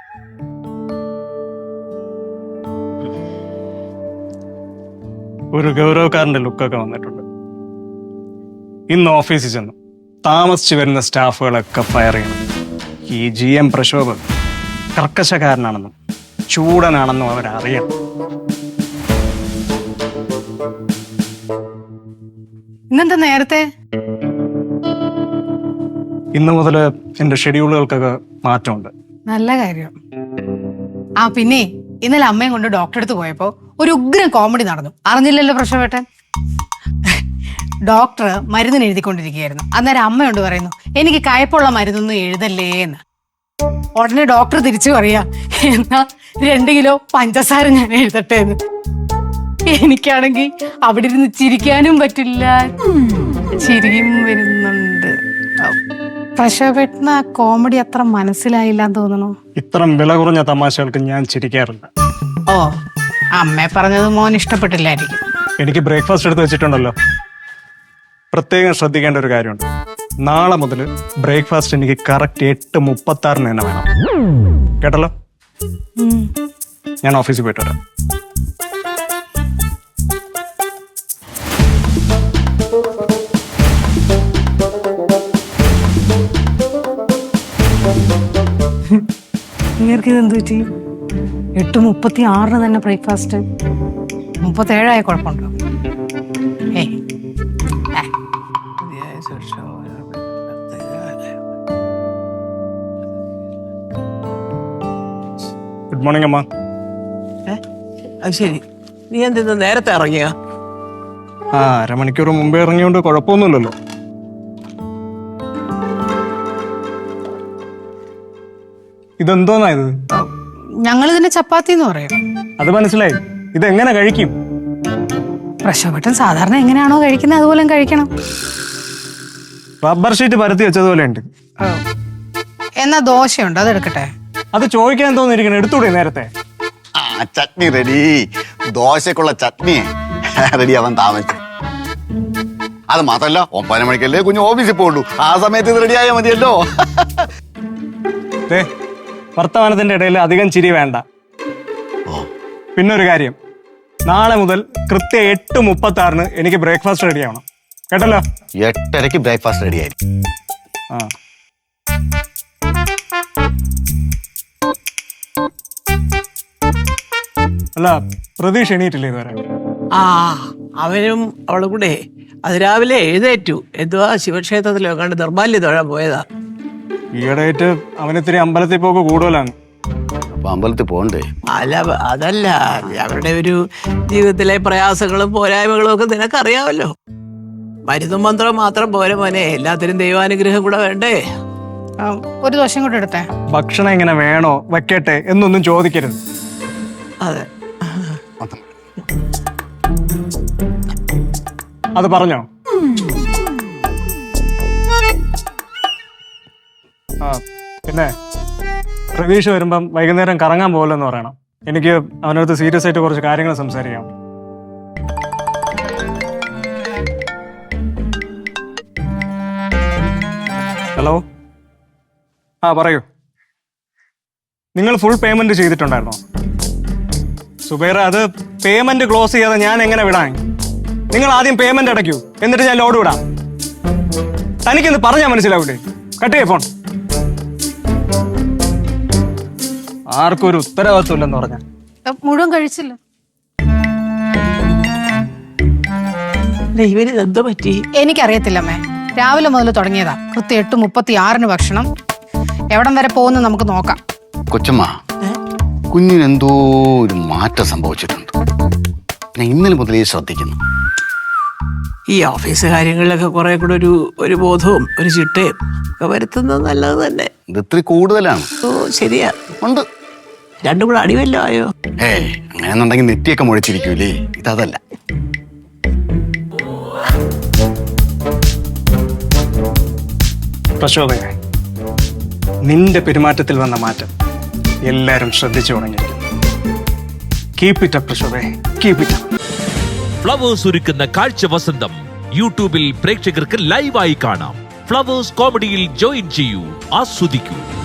ഒരു ഗൗരവക്കാരന്റെ ലുക്കൊക്കെ വന്നിട്ടുണ്ട്. ഇന്ന് ഓഫീസിൽ ചെന്നു താമസിച്ചു വരുന്ന സ്റ്റാഫുകളൊക്കെ ഫയർ ചെയ്യണം. ഈ GM പ്രശോഭ് കർക്കശക്കാരനാണെന്നും ചൂടനാണെന്നും അവരറിയണം. ഇന്നെന്താ നേരത്തെ? ഇന്ന് മുതൽ എന്റെ ഷെഡ്യൂളുകൾക്കൊക്കെ മാറ്റമുണ്ട്. നല്ല കാര്യം. ആ പിന്നെ ഇന്നലെ അമ്മയും കൊണ്ട് ഡോക്ടറെ അടുത്ത് പോയപ്പോ ഒരു ഉഗ്രം കോമഡി നടന്നു. അറിഞ്ഞില്ലല്ലോ പ്രശോഭേട്ടൻ? ഡോക്ടർ മരുന്നിന് എഴുതിക്കൊണ്ടിരിക്കുകയായിരുന്നു. അന്നേരം അമ്മയോട് പറയുന്നു, എനിക്ക് കയ്പുള്ള മരുന്നൊന്നും എഴുതല്ലേ എന്ന്. ഉടനെ ഡോക്ടർ തിരിച്ചു പറയാ, എന്നാ 2 കിലോ പഞ്ചസാര ഞാൻ എഴുതട്ടെ എന്ന്. എനിക്കാണെങ്കിൽ അവിടെ ഇരുന്ന് ചിരിക്കാനും പറ്റില്ല, ചിരിയും വരുന്നുണ്ട്. പ്രശോഭേട്ടന് ആ കോമഡി അത്ര മനസ്സിലായില്ലാന്ന് തോന്നണു. ഇത്തരം വില കുറഞ്ഞ തമാശകൾക്ക് ഞാൻ ചിരിക്കാറില്ല. ഓ, അമ്മയെ പറഞ്ഞത് മോൻ ഇഷ്ടപ്പെട്ടില്ലായിരിക്കും. എനിക്ക് ബ്രേക്ക്ഫാസ്റ്റ് എടുത്ത് വെച്ചിട്ടുണ്ടല്ലോ. പ്രത്യേകം ശ്രദ്ധിക്കേണ്ട ഒരു കാര്യമുണ്ട്. നാളെ മുതൽ ബ്രേക്ക്ഫാസ്റ്റ് എനിക്ക് കറക്റ്റ് 8:36 തന്നെ വേണം. കേട്ടല്ലോ? ഞാൻ ഓഫീസിൽ പോയിട്ട് വരാം. നിങ്ങൾക്ക് ഇതെന്ത് പറ്റി? 8:36 തന്നെ ബ്രേക്ക്ഫാസ്റ്റ്. 37 കുഴപ്പമുണ്ടോ? ഗുഡ് മോർണിംഗ് അമ്മ. അത് ശരി, നീ എന്തെന്ന് നേരത്തെ ഇറങ്ങിയ? അരമണിക്കൂർ മുമ്പേ ഇറങ്ങിയോണ്ട് കുഴപ്പമൊന്നുമില്ലല്ലോ. ഇതെന്തോന്നാ ഇത്? ഞങ്ങൾ ഇതിനെ ചപ്പാത്തി എന്ന് പറയും. അത് മനസ്സിലായി. ഇതെങ്ങനെ കഴിക്കും? പ്രശോഭേട്ടൻ സാധാരണ എങ്ങനെയാണോ കഴിക്കുന്നത് അതുപോലെ കഴിക്കണം. റബ്ബർ ഷീറ്റ് പരത്തി വെച്ചതുപോലെ ഉണ്ട്. എന്നാ ദോശയുണ്ട്, അത് എടുക്കട്ടെ? അത് ചോദിക്കാൻ തോന്നിയിരിക്കണം, എടുത്തൂടെ നേരത്തെ? ചട്നി റെഡി. ദോശക്കുള്ള ചട്നി റെഡി ആവാൻ താമസിച്ചു. അത് മാത്രല്ല 9 മണിക്കല്ലേ കുഞ്ഞു ഓഫീസിൽ പോകുള്ളൂ. ആ സമയത്ത് ഇത് റെഡി ആയാൽ മതിയല്ലോ. വർത്തമാനത്തിന്റെ ഇടയിൽ അധികം ചിരി വേണ്ട. പിന്നൊരു കാര്യം, നാളെ മുതൽ കൃത്യം 8:36 എനിക്ക് ബ്രേക്ക്ഫാസ്റ്റ് റെഡി ആവണം. കേട്ടല്ലോ? 8:30 ബ്രേക്ക്ഫാസ്റ്റ് റെഡി ആയിരിക്കും. അല്ല, പ്രതീക്ഷ എണീറ്റില്ലേ ഇതുവരെ? അവനും അവളും കൂടെ അത് രാവിലെ എഴുന്നേറ്റു. എന്തുവാ ശിവക്ഷേത്രത്തിലോ കണ്ട് നിർമ്മാല്യം തൊഴാൻ പോയതാ. ഈയിടെയായിട്ട് അവനിത്തിരി അമ്പലത്തിൽ പോക്ക് കൂടുതലാണ്. അപ്പൊ അമ്പലത്തിൽ പോണ്ടേ? അല്ല, അതല്ല, അവരുടെ ഒരു ജീവിതത്തിലെ പ്രയാസങ്ങളും പോരായ്മകളും ഒക്കെ നിനക്കറിയാമല്ലോ. മരുന്നും മന്ത്രവും മാത്രം പോരെ മോനെ, എല്ലാത്തിനും ദൈവാനുഗ്രഹം കൂടെ വേണ്ടേ? ഒരു ദോശം കൂടെ എടുത്തേ. ഭക്ഷണം എങ്ങനെ വേണോ വെക്കട്ടെ എന്നൊന്നും ചോദിക്കരുത്. അതെ, അത് പറഞ്ഞോ? പിന്നെ പ്രതീക്ഷ വരുമ്പം വൈകുന്നേരം കറങ്ങാൻ പോകലെന്ന് പറയണം. എനിക്ക് അവനടുത്ത് സീരിയസ് ആയിട്ട് കുറച്ച് കാര്യങ്ങൾ സംസാരിക്കാം. ഹലോ, പറയൂ. നിങ്ങൾ ഫുൾ പേയ്മെന്റ് ചെയ്തിട്ടുണ്ടായിരുന്നോ? സുബൈറ, അത് പേയ്മെന്റ് ക്ലോസ് ചെയ്യാതെ ഞാൻ എങ്ങനെ വിടാൻ? നിങ്ങൾ ആദ്യം പേയ്മെന്റ് അടയ്ക്കൂ, എന്നിട്ട് ഞാൻ ലോഡ് വിടാം. തനിക്കെന്ന് പറഞ്ഞാൽ മനസ്സിലാവൂലേ? കട്ട് ചെയ്യ ഫോൺ. ആർക്കും ഒരു ഉത്തരവാദിത്വം ഇല്ലെന്ന് പറഞ്ഞ മുഴുവൻ കഴിച്ചില്ല. ഇവന് എന്തോ പറ്റി? എനിക്കറിയത്തില്ലമ്മേ. രാവിലെ മുതൽ തുടങ്ങിയതാ. കൃത്യം 8:36 ഭക്ഷണം. എവിടം വരെ പോകുന്ന നമുക്ക് നോക്കാം. കൊച്ചമ്മ, കുഞ്ഞിന് എന്തോ ഒരു മാറ്റം സംഭവിച്ചിട്ടുണ്ട്. ഞാൻ ഇന്നലെ മുതലേ ശ്രദ്ധിക്കുന്നു. ഈ ഓഫീസ് കാര്യങ്ങളിലൊക്കെ കുറെ കൂടെ ഒരു ബോധവും ഒരു ചിട്ടയും ഒക്കെ വരുത്തുന്നത് നല്ലത് തന്നെ. ഇത് ഇത്തിരി കൂടുതലാണ്. ഓ, ശരിയാ, ഉണ്ട്. രണ്ടും കൂടെ അടിവല്ലോ ആയോ? അങ്ങനെന്നുണ്ടെങ്കിൽ നെറ്റിയൊക്കെ മുഴിച്ചിരിക്കൂലേ. ഇതല്ല. പ്രശോഭയെ, നിന്റെ പെരുമാറ്റത്തിൽ വന്ന മാറ്റം എല്ലാരും ശ്രദ്ധിച്ചു തുടങ്ങിയിരിക്കുന്നു. കീപ് ഇറ്റ് അപ്പ് പ്രശോഭയെ, കീപ് ഇറ്റ് അപ്പ്. ഫ്ലവേഴ്സ് ഒരുക്കുന്ന കാഴ്ച വസന്തം യൂട്യൂബിൽ പ്രേക്ഷകർക്ക് ലൈവായി കാണാം. ഫ്ലവേഴ്സ് കോമഡിയിൽ ജോയിൻ ചെയ്യൂ, ആസ്വദിക്കൂ.